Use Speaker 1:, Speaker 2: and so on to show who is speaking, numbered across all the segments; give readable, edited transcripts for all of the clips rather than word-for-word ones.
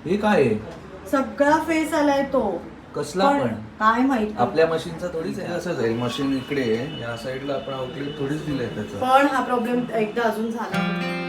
Speaker 1: हे काय आहे?
Speaker 2: सगळा फेस आलाय तो.
Speaker 1: कसला पण
Speaker 2: काय माहिती.
Speaker 1: आपल्या मशीनचा थोडीच आहे. असं जाईल मशीन इकडे आहे, या साईडला आपण आउटलेट थोडीच दिलंय त्याचं.
Speaker 2: पण हा प्रॉब्लेम एकदा अजून झाला.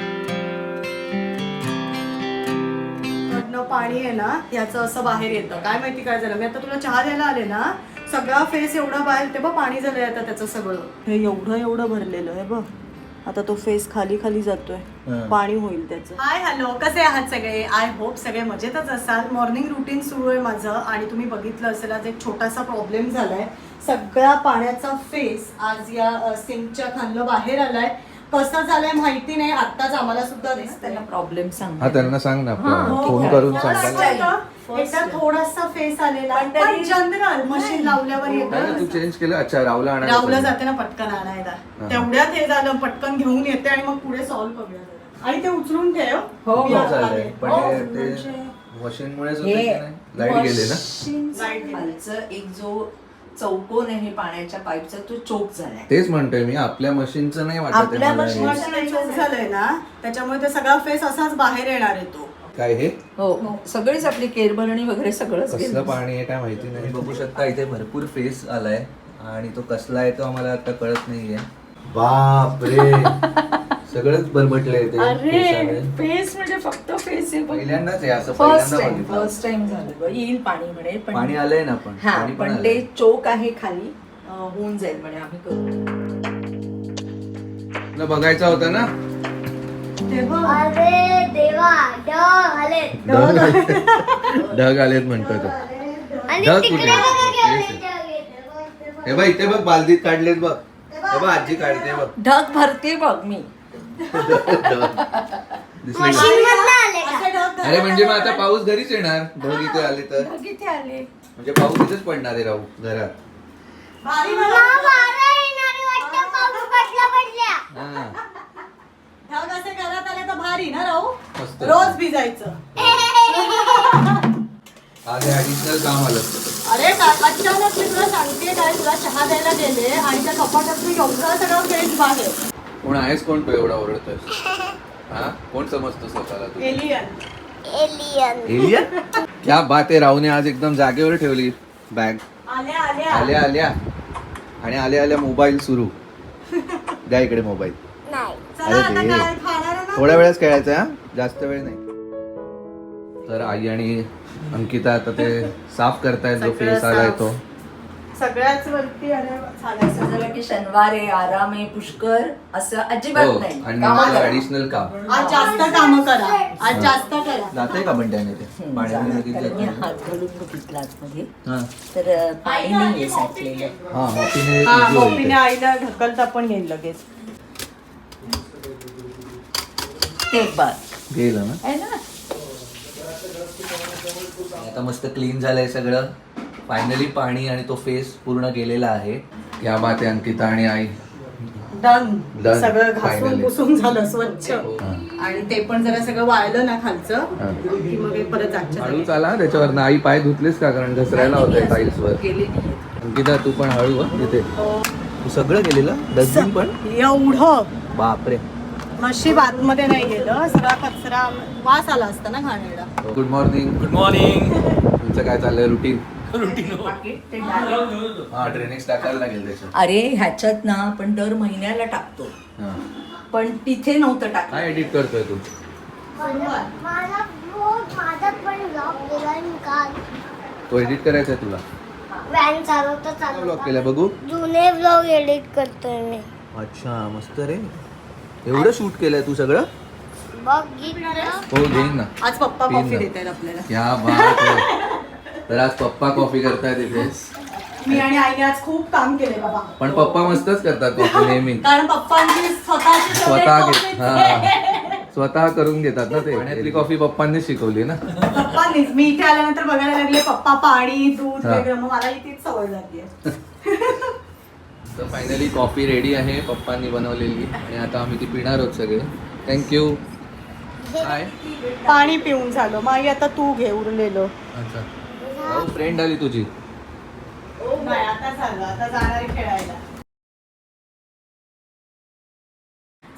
Speaker 2: कडनं पाणी आहे ना याचं असं बाहेर येतं. काय माहिती काय झालं. मी आता तुला चहा द्यायला आले ना, सगळा फेस एवढा बाहेर ते बघ पाणी झालंय आता त्याचं सगळं. हे एवढं भरलेलं आहे बघ. आता तो फेस खाली खाली जातोय. पाणी होईल त्याचं. हाय हॅलो, कसे आहात सगळे? आय होप सगळे मजेतच असाल. मॉर्निंग रुटीन सुरू आहे माझं आणि तुम्ही बघितलं असेल आज एक छोटासा प्रॉब्लेम झालाय. सगळा पाण्याचा फेस आज या सिंकच्या खालनं बाहेर आलाय. कसं झालंय माहिती नाही. आत्ताच आम्हाला सुद्धा दिसतंय.
Speaker 3: प्रॉब्लेम सांग.
Speaker 1: हा त्यांना सांग ना, फोन करून सांगायला.
Speaker 2: एकदा थोडासा फेस आलेला पण जनरल मशीन लावल्यावर येतं.
Speaker 1: तू चेंज केलं? अच्छा,
Speaker 2: रावला जाते ना पटकन आणायला. तेवढ्यात हे झालं, पटकन घेऊन येते आणि मग पुढे सॉल्व्ह करूया. आणि ते उचलून ठेव.
Speaker 1: हो झालंय पण ते मशीनमुळेच होते की नाही? लाईट गेले ना.
Speaker 3: खालचं एक जो चौकोन आहे पाण्याच्या पाईपचा तो चोक झालाय.
Speaker 1: तेच म्हणतोय मी, आपल्या मशीनचं नाही वाटत.
Speaker 3: आपल्या
Speaker 1: मशीन
Speaker 2: चोक झालंय ना, त्याच्यामुळे ते सगळा फेस असाच बाहेर येणार आहे तो.
Speaker 1: काय हे?
Speaker 3: हो, सगळीच आपली केरभरणी वगैरे सगळंच
Speaker 1: कसलं पाणी आहे काय माहिती नाही. बघू शकता इथे भरपूर फेस आलाय आणि तो कसला आहे तो आम्हाला आता कळत नाहीये. बाप रे, सगळंच बरबटलंय ते.
Speaker 3: अरे फेस म्हणजे फक्त फेस आहे.
Speaker 1: पहिल्यांदाच आहे असं.
Speaker 3: फर्स्ट टाइम झालं. येईल पाणी म्हणे पण
Speaker 1: पाणी आलंय ना. पण
Speaker 3: हा,
Speaker 1: पाणी
Speaker 3: पण ते चोक आहे खाली, होऊन जाईल म्हणे. आम्ही करू.
Speaker 1: तुला बघायचा होता ना.
Speaker 4: अरे देवा, ढग आले.
Speaker 1: ढग आलेत म्हणतोय तो.
Speaker 4: आणि
Speaker 1: ढग
Speaker 4: तिकडे
Speaker 1: कुठे?
Speaker 4: बघा केवढे ढग आहेत.
Speaker 1: हे बघ इथे बघ, बालदीत काढलेत बघ. हे बघ आजी काढते बघ.
Speaker 3: ढग भरते बघ मी.
Speaker 1: दिसले का?
Speaker 4: मशीनमधनं आले का?
Speaker 1: अरे म्हणजे मग आता पाऊस घरीच येणार. ढग इथे आले तर
Speaker 3: ढग इथे आले.
Speaker 1: म्हणजे पाऊस इथेच पडणार आहे राहू घरात.
Speaker 4: मला वारा येणारी वाटतं, पाऊस पडल्या.
Speaker 1: हा,
Speaker 2: ढग असे घरात आले तर भारी ना राहू.
Speaker 1: मस्त.
Speaker 2: रोज भिजायचं.
Speaker 1: आज ऍडिशनल काम आलं.
Speaker 2: अरे अचानक मी तुला सांगते काय, तुला चहा द्यायला गेले आणि त्या कपाटात मी एवढा सगळं फेस बाहेर.
Speaker 1: कोण आहेस? कोण तू एवढा ओरडतोय? हा, कोण समजतो स्वतःला तू?
Speaker 2: एलियन.
Speaker 4: एलियन.
Speaker 1: एलियन? क्या बात आहे. राहूने आज एकदम जागेवर ठेवली बॅग.
Speaker 2: आल्या
Speaker 1: आल्या आल्या आणि आल्या आल्या मोबाईल सुरू. द्या इकडे मोबाईल.
Speaker 4: नाही.
Speaker 2: चला
Speaker 1: अरे
Speaker 2: आता
Speaker 1: दे.
Speaker 2: काय खाणार आहे ना?
Speaker 1: थोड्या वेळच खेळायचं हा, जास्त वेळ नाही. तर आई आणि अंकिता आता ते साफ करतायत जो
Speaker 2: सगळं
Speaker 1: फेस आलाय
Speaker 2: साफ.
Speaker 1: तो.
Speaker 2: सगळ्याच वरती अरे झालं
Speaker 3: असं झालं की शनिवार आहे, आराम आहे, पुष्कर असं अजिबात
Speaker 1: हो,
Speaker 3: नाही.
Speaker 1: आणि
Speaker 3: कामाला जा.
Speaker 1: ऍडिशनल काम.
Speaker 2: आज जास्त काम करा. आज जास्त करा.
Speaker 1: जाते का पण त्याने ते पाण्याने
Speaker 3: कारण
Speaker 1: बघितलं
Speaker 3: मी
Speaker 1: का?
Speaker 3: हात घालून बघितला आतमध्ये
Speaker 1: हा
Speaker 3: तर पाणी नाहीये साठलेलं.
Speaker 1: हा, मॉपीने
Speaker 2: हा,
Speaker 1: easy होईल
Speaker 2: मॉपीने
Speaker 1: ते.
Speaker 2: आईला ढकलता पण येईल लगेच.
Speaker 3: ते बघ
Speaker 1: गेलं ना.
Speaker 3: आहे ना.
Speaker 1: आता मस्त क्लीन झालंय सगळं. फायनली पाणी आणि तो फेस पूर्ण गेलेला आहे. या बात आहे अंकिता आणि आई.
Speaker 2: डन.
Speaker 1: Done.
Speaker 2: सगळं घासून
Speaker 1: Finally.
Speaker 2: पुसून झालं स्वच्छ.
Speaker 1: हा.
Speaker 2: आणि ते पण जरा सगळं वाळलं ना खालचं
Speaker 1: हा.
Speaker 2: की मग हे परत आजच्या
Speaker 1: हळू
Speaker 2: जागी.
Speaker 1: चाला त्याच्यावर ना. आई पाय धुतलेस का? कारण घसरायला होतंय टाईल्स वर.
Speaker 3: गेले नाही.
Speaker 1: अंकिता तू पण हळू हा तिथे. तू सगळं गेलेलं डस्टबिन पण.
Speaker 2: एवढं
Speaker 1: बापरे.
Speaker 2: नशीब आतमध्ये नाही गेलं. सगळा कचरा वास आला असता ना घाणेरडा.
Speaker 1: Good morning.
Speaker 5: Good morning.
Speaker 1: तुमचं काय चाललंय रुटीन?
Speaker 3: पाकीट ते direct-
Speaker 1: हा, ड्रेनेज टाकायला लागेल त्याच्यात.
Speaker 3: अरे ह्याच्यात ना आपण दर महिन्याला टाकतो,
Speaker 1: हा.
Speaker 3: पण तिथे नव्हतं टाकलं.
Speaker 1: काय एडिट करतोय तू?
Speaker 4: माझा माझा पण ब्लॉग केलाय मी काल.
Speaker 1: तो एडिट करायचा आहे तुला?
Speaker 4: व्हॅन चालवता
Speaker 1: ब्लॉग
Speaker 4: चालवता
Speaker 1: केला बघू.
Speaker 4: जुने ब्लॉग एडिट करतोय मी.
Speaker 1: अच्छा, मस्त रे. एवढं शूट केलंय तू सगळं?
Speaker 4: बघ गीत.
Speaker 1: हो, घेईन ना.
Speaker 2: आज पप्पा
Speaker 1: पिन
Speaker 2: कॉफी
Speaker 1: ना.
Speaker 2: देत आहेत आपल्याला.
Speaker 1: क्या बात आहे. तर आज पप्पा कॉफी करतायत इथे.
Speaker 2: मी आणि आईने आज खूप काम केले बाबा.
Speaker 1: पण पप्पा मस्तच करतात कॉफी नेहमी.
Speaker 2: कारण पप्पांची स्वतःची
Speaker 1: स्वतः
Speaker 2: favorite
Speaker 1: घेत.
Speaker 2: coffee
Speaker 1: हा, स्वतः करून घेतात ना ते. पाण्यातली कॉफी पप्पांनी शिकवली ना.
Speaker 2: पप्पांनीच. मी इथे आल्यानंतर बघायला लागले पप्पा पाणी दूध
Speaker 1: हा.
Speaker 2: वेगळं. मग मला इथेच सवय झाली आहे.
Speaker 1: तर फायनली कॉफी रेडी आहे पप्पांनी बनवलेली आणि आता आम्ही ती पिणार आहोत सगळे. थँक्यू. काय?
Speaker 2: पाणी पिऊन झालं. मग आई आता तू घे उरलेलं.
Speaker 1: अच्छा, फ्रेंड आली तुझी.
Speaker 2: नाही आता झालं. आता जाणार आहे खेळायला.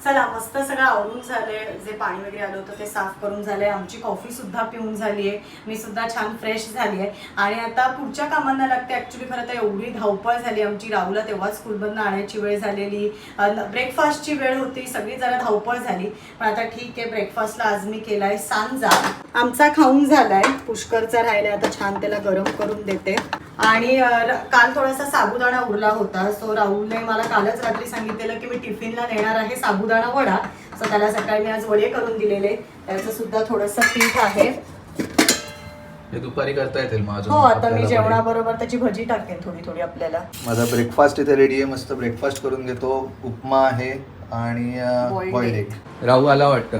Speaker 2: चला मस्त सगळं आवरून झाले, जे पाणी वगैरे आलं होतं ते साफ करून झालंय, आमची कॉफी सुद्धा पिऊन झाली आहे, मी सुद्धा छान फ्रेश झाली आहे आणि आता पुढच्या कामांना लागते. ऍक्च्युली खरं तर एवढी धावपळ झाली आमची, राहुला तेव्हा स्कूलमधनं आणायची वेळ झालेली, ब्रेकफास्टची वेळ होती, सगळी जरा धावपळ झाली. पण आता ठीक आहे, ब्रेकफास्टला आज मी केलाय सांजा. आमचा खाऊन झालाय, पुष्करचा राहिलाय, आता छान त्याला गरम करून देते. आणि काल थोडासा साबुदाणा उरला होता, सो राहुलने मला कालच रात्री सांगितलेलं की मी टिफिनला नेणार आहे साबुदाणा वडा. सो त्याला सकाळी मी आज वडे करून दिलेले, त्याचं सुद्धा थोडंसं पीठ आहे.
Speaker 1: हे दुपारी करता येतील माझं.
Speaker 2: हो, आता मी जेवणाबरोबर त्याची भजी टाकेन थोडी थोडी आपल्याला.
Speaker 1: माझा ब्रेकफास्ट इथे रेडी आहे, मस्त ब्रेकफास्ट करून घेतो. उपमा आहे आणि बॉइल्ड एग. राहू आला वाटतं.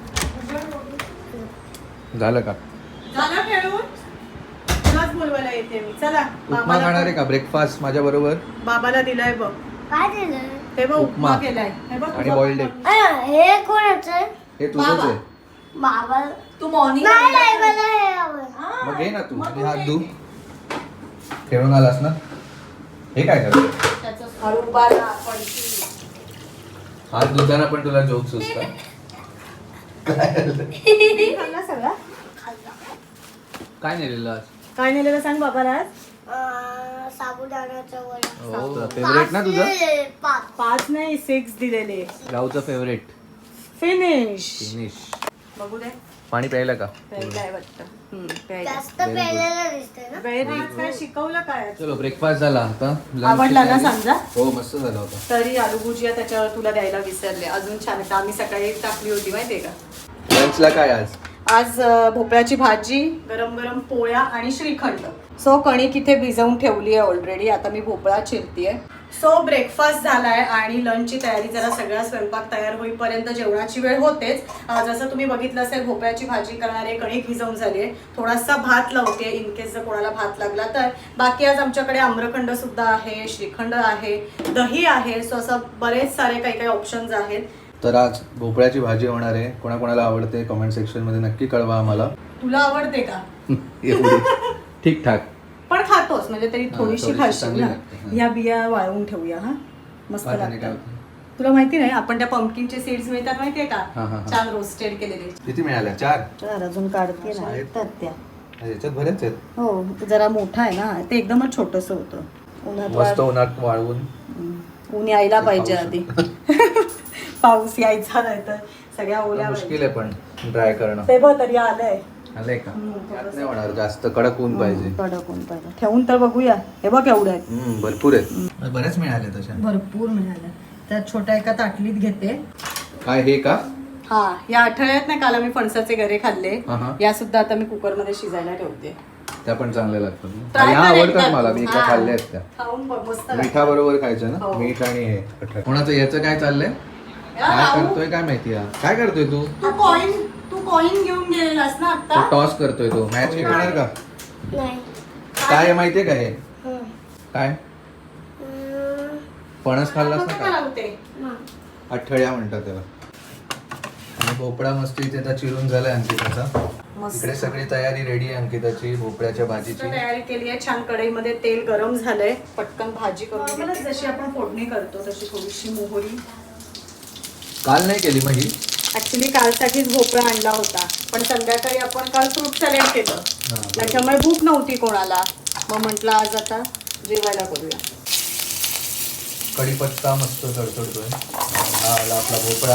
Speaker 1: झालं का?
Speaker 2: झालं खेळून? तुलाच बोलवायला येते मी. चला
Speaker 1: उपमा खाणार आहे का ब्रेकफास्ट माझ्या बरोबर?
Speaker 2: बाबाला दिलाय बघ,
Speaker 4: काय दिलं?
Speaker 2: हे बघ उपमा
Speaker 1: उपमा.
Speaker 2: केलाय, हे बघ
Speaker 1: आणि बॉइल्ड एग.
Speaker 4: हे कोणाचं आहे?
Speaker 1: हे तुझंच आहे.
Speaker 4: बाबा
Speaker 3: तू मॉर्निंग
Speaker 4: नाही नाही, मला हे आवडतं.
Speaker 1: मग घे ना तू आणि हात धु. खेळून आलास ना. हे काय करतो?
Speaker 2: त्याचं हळूबाला पडशी.
Speaker 1: हात धुताना पण तुला जोक सुचतात.
Speaker 2: खाल्ला सगळा?
Speaker 1: काय नेलेलं आज?
Speaker 2: काय नेलेलं सांग बाबाला आज?
Speaker 4: साबुदाण्याचं वडा.
Speaker 1: हो फेवरेट ना तुझं?
Speaker 4: पाच.
Speaker 2: 5 नाही 6 दिलेले.
Speaker 1: राहूचं फेवरेट.
Speaker 2: फिनिश.
Speaker 1: फिनिश.
Speaker 2: बघू दे,
Speaker 1: पाणी प्यायला का?
Speaker 2: प्यायलाय वाटतं. प्यायला.
Speaker 4: जास्त पेलेलं दिसतंय ना.
Speaker 2: Very good. काय शिकवलं काय?
Speaker 1: चलो ब्रेकफास्ट झाला आता. lunch
Speaker 2: आवडला ना
Speaker 1: ची तयारी.
Speaker 2: सांजा?
Speaker 1: हो मस्त झाला होता.
Speaker 2: तरी आलू भुजिया त्याच्यावर तुला द्यायला विसरले, अजून छान आहे. आम्ही सकाळी टाकली होती माहितीये का.
Speaker 1: लंचला काय आज?
Speaker 2: आज भोपळ्याची भाजी, गरम गरम पोळ्या आणि श्रीखंड. सो कणिक इथे भिजवून ठेवली आहे ऑलरेडी, आता मी भोपळा चिरतीये. सो ब्रेकफास्ट झालाय आणि लंचची तयारी, जरा सगळा स्वयंपाक तयार होईपर्यंत जेवणाची वेळ होतेच. जसं तुम्ही बघितलं असेल, भोपळ्याची भाजी करणारे, कणिक भिजवून झाली आहे, थोडासा भात लावते इन केस जर कोणाला भात लागला तर. बाकी आज आमच्याकडे आम्रखंड सुद्धा आहे, श्रीखंड आहे, दही आहे. सो असं बरेच सारे काही काही ऑप्शन्स आहेत.
Speaker 1: तर आज भोपळ्याची भाजी होणार आहे. कोणाकोणाला आवडते कमेंट सेक्शन मध्ये नक्की कळवा आम्हाला.
Speaker 2: तुला आवडते का?
Speaker 1: एवढी ठीक ठाक.
Speaker 2: पण खातोस म्हणजे तरी थोडीशी
Speaker 1: थोडीशी
Speaker 2: खाशील
Speaker 1: चांगली
Speaker 2: ना.
Speaker 1: लागते, हा.
Speaker 2: ह्या बिया वाळवून ठेवूया. हा मस्त
Speaker 1: भाताने काय
Speaker 2: लागतात.
Speaker 1: होतं?
Speaker 2: तुला माहिती नाही, आपण त्या पंपकिनचे सीड्स मिळतात माहितीये
Speaker 1: हा,
Speaker 2: का,
Speaker 1: हा.
Speaker 2: छान रोस्टेड केलेले.
Speaker 1: किती मिळाल्या? 4.
Speaker 2: तर अजून काढते ना
Speaker 1: आहेत.
Speaker 2: तर त्या.
Speaker 1: याच्यात बरेच आहेत.
Speaker 2: हो, जरा मोठा आहे ना, ते एकदमच छोटस होतं.
Speaker 1: मस्त
Speaker 2: उन्हात
Speaker 1: उन्हात वाळवून.
Speaker 2: ऊन यायला
Speaker 1: ते
Speaker 2: पाहिजे
Speaker 1: पाऊस
Speaker 2: आधी. पाऊस यायचा नाही तर सगळ्या ओल्या
Speaker 1: मुश्किल आहे पण ड्राय करणं.
Speaker 2: ते बघ तरी आलंय.
Speaker 1: आलंय का? यात नाही होणार, जास्त कडक ऊन पाहिजे.
Speaker 2: कडक ऊन पाहिजे. ठेवून तर बघूया. हे बघ एवढं आहे.
Speaker 1: भरपूर आहेत. बरेच मिळाले तशा.
Speaker 2: भरपूर मिळालं. त्यात छोट्या एका ताटलीत घेते.
Speaker 1: काय हे का?
Speaker 2: हा, या आठवड्यात ना काल आम्ही फणसाचे गरे खाल्ले,
Speaker 1: हा.
Speaker 2: या सुद्धा आता मी कुकर मध्ये शिजायला ठेवते.
Speaker 1: त्या पण चांगल्या लागतात.
Speaker 2: Try
Speaker 1: ह्या
Speaker 2: कर
Speaker 1: आवडतात
Speaker 2: एकदा.
Speaker 1: मला. मी
Speaker 2: हा.
Speaker 1: खाल्ल्या आहेत त्या.
Speaker 2: खाऊन बघ, मस्त
Speaker 1: मिठा बरोबर खायचं ना.
Speaker 2: हो.
Speaker 1: मीठ आणि हे कोणाचं याचं काय चाललंय? काय
Speaker 2: लागतं.
Speaker 1: करतोय काय माहिती? काय करतोय तू?
Speaker 2: तू कॉइन घेऊन गेलेलास ना
Speaker 1: तो
Speaker 2: आता.
Speaker 1: टॉस करतोय. तो मॅच खेळणार का?
Speaker 4: नाही.
Speaker 1: काय आहे माहितीये का हे?
Speaker 4: हं.
Speaker 1: काय?
Speaker 4: हं.
Speaker 1: फणस खाल्लास ना का?
Speaker 2: लावते.
Speaker 4: हं.
Speaker 1: अठ्ठळ्या म्हणतात त्याला. आणि भोपळा मस्त इथे आता चिरून झालाय अंकिताचा.
Speaker 2: मस्त
Speaker 1: इकडे सगळी तयारी रेडी आहे अंकिताची भोपळ्याच्या भाजीची.
Speaker 2: तयारी केली आहे. छान कढईमध्ये तेल गरम झालंय, पटकन भाजी करून घेते. जशी आपण फोडणी करतो तशी थोडीशी मोहरी.
Speaker 1: काल नाही केली मग ही?
Speaker 2: ऍक्च्युली कालसाठीच भोपळा आणला होता, पण संध्याकाळी आपण काल फ्रूट सॅलेड केलं,
Speaker 1: बरोबर.
Speaker 2: त्याच्यामुळे भूक नव्हती कोणाला. मग म्हटलं आज आता जेवायला करूया.
Speaker 1: कढीपत्ता मस्त तडतडतोय. हा आला आपला भोपळा.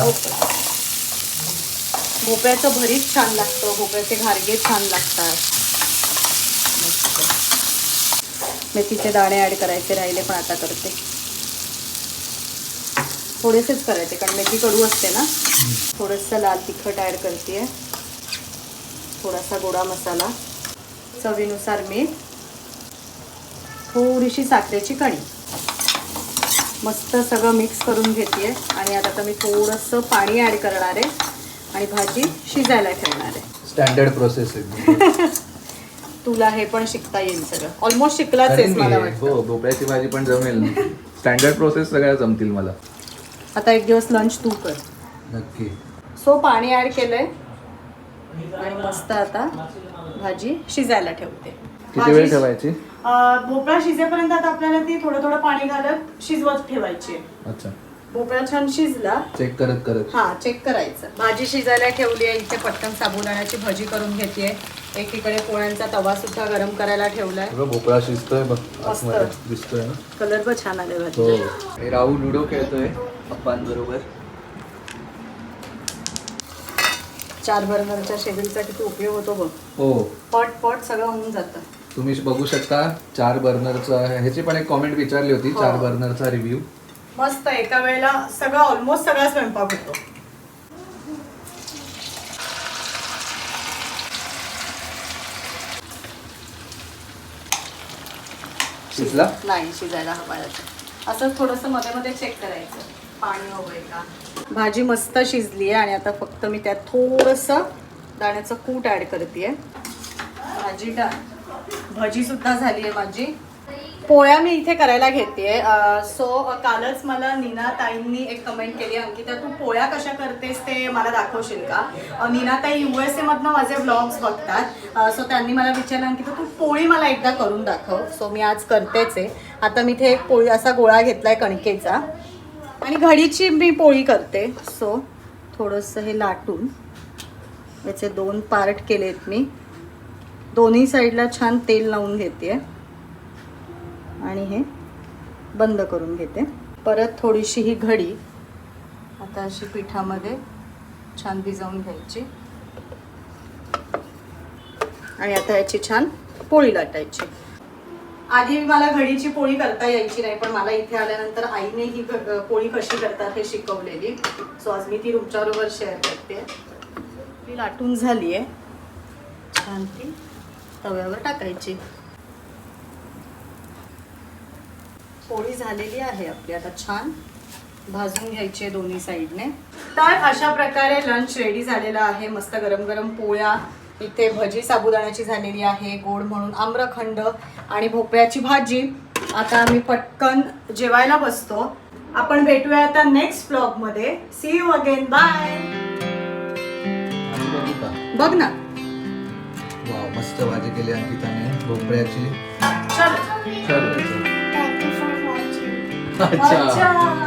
Speaker 2: भोपळ्याचं भरीत छान लागतं, भोपळ्याचे घारगे छान लागतात. मस्त. मेथीचे दाणे ऍड करायचे राहिले, पण आता करते. थोडेसेच करायचे कारण मेथी कडू असते ना. थोडंसं लाल तिखट ऍड करते, थोडासा गोडा मसाला, चवीनुसार मीठ, थोडीशी साखरेची कणी. मस्त सगळं मिक्स करून घेते आणि आता मी थोडंसं पाणी ऍड करणार आहे आणि भाजी शिजायला ठेवणार आहे.
Speaker 1: स्टँडर्ड प्रोसेस आहे.
Speaker 2: तुला हे पण शिकता येईल सगळं. ऑलमोस्ट शिकलाच आहेस मला वाटतं.
Speaker 1: हो, भोपळ्याची भाजी पण जमेल. स्टँडर्ड प्रोसेस सगळ्या जमतील मला.
Speaker 2: आता एक दिवस लंच तू कर.
Speaker 1: नक्की.
Speaker 2: सो पाणी ऍड केलंय आणि मस्त आता भाजी शिजायला ठेवते.
Speaker 1: किती वेळ ठेवायची?
Speaker 2: भोपळा शिजेपर्यंत आता आपल्याला ती थोडं थोडं पाणी घालत शिजवत ठेवायची.
Speaker 1: अच्छा.
Speaker 2: भोपळा छान शिजला.
Speaker 1: चेक करत करत.
Speaker 2: हा चेक करायचं. भाजी शिजायला ठेवली आहे इथे. पटकन साबुदाण्याची भजी करून घेतेय. एकीकडे पोळ्यांचा तवा सुद्धा गरम करायला ठेवलाय.
Speaker 1: भोपळा शिजतोय बघ,
Speaker 2: मस्त.
Speaker 1: आतमध्ये दिसतोय ना.
Speaker 2: कलर पण छान आले
Speaker 1: हो.
Speaker 2: भाजी.
Speaker 1: हे राहू लुडो खेळतोय पप्पांबरोबर.
Speaker 2: 4 बर्नरच्या शेगडीचा किती उपयोग होतो बघ.
Speaker 1: हो,
Speaker 2: पट सगळं होऊन जातं.
Speaker 1: तुम्ही बघू शकता 4 बर्नरचा. ह्याची पण एक कॉमेंट विचारली होती,
Speaker 2: हो.
Speaker 1: 4 बर्नरचा रिव्ह्यू.
Speaker 2: मस्त एका वेळेला सगळं ऑलमोस्ट सगळा स्वयंपाक होतो.
Speaker 1: शिजला?
Speaker 2: नाही, शिजायला हवा. असं थोडंसं मध्ये मध्ये चेक करायचं पाणी हवंय का. भाजी मस्त शिजली आहे आणि आता फक्त मी त्यात थोडंसं दाण्याचं कूट ऍड करते. भाजी सुद्धा झाली आहे माझी. पोळ्या मी इथे करायला घेते. सो कालच मला नीना ताईंनी एक कमेंट केली, अंकिता तू पोळ्या कशा करतेस ते मला दाखवशील का. नीना ताई USA मधनं माझे ब्लॉग्स बघतात. सो त्यांनी मला विचारलं, अंकिता तू पोळी मला एकदा करून दाखव. सो मी आज करतेच आहे. आता मी इथे एक पोळी असा गोळा घेतलाय कणकेचा आणि घडीची मी पोळी करते. सो थोडंसं हे लाटून याचे 2 पार्ट केलेत मी. दोन्ही साईडला छान तेल लावून घेते आणि हे बंद करून घेते. परत थोडीशी ही घडी आता अशी पिठामध्ये छान भिजवून घ्यायची आणि आता याची छान पोळी लाटायची. आधी मला घडीची पोळी करता यायची नाही, पण मला इथे आल्यानंतर आईने ही पोळी कशी करतात हे शिकवलेली. सो आज मी ती तुमच्याबरोबर शेअर करते. ती लाटून झाली आहे. छान ती तव्यावर टाकायची. पोळी झालेली आहे आपली. आता छान भाजून घ्यायची आहे दोन्ही साईडने. तर अशा प्रकारे लंच रेडी झालेला आहे. मस्त गरम गरम पोळ्या, इथे भजी साबुदाण्याची झालेली आहे, गोड म्हणून आम्रखंड आणि भोपळ्याची भाजी. आता आम्ही पटकन जेवायला बसतो. आपण भेटूया आता नेक्स्ट ब्लॉग मध्ये. See you again. बाय. बघ ना.
Speaker 1: वाव, मस्त भाजी केली अंकिताने भोपळ्याची.
Speaker 2: चल.
Speaker 1: चल.
Speaker 4: Thank you for watching.
Speaker 1: अच्छा.
Speaker 2: अच्छा.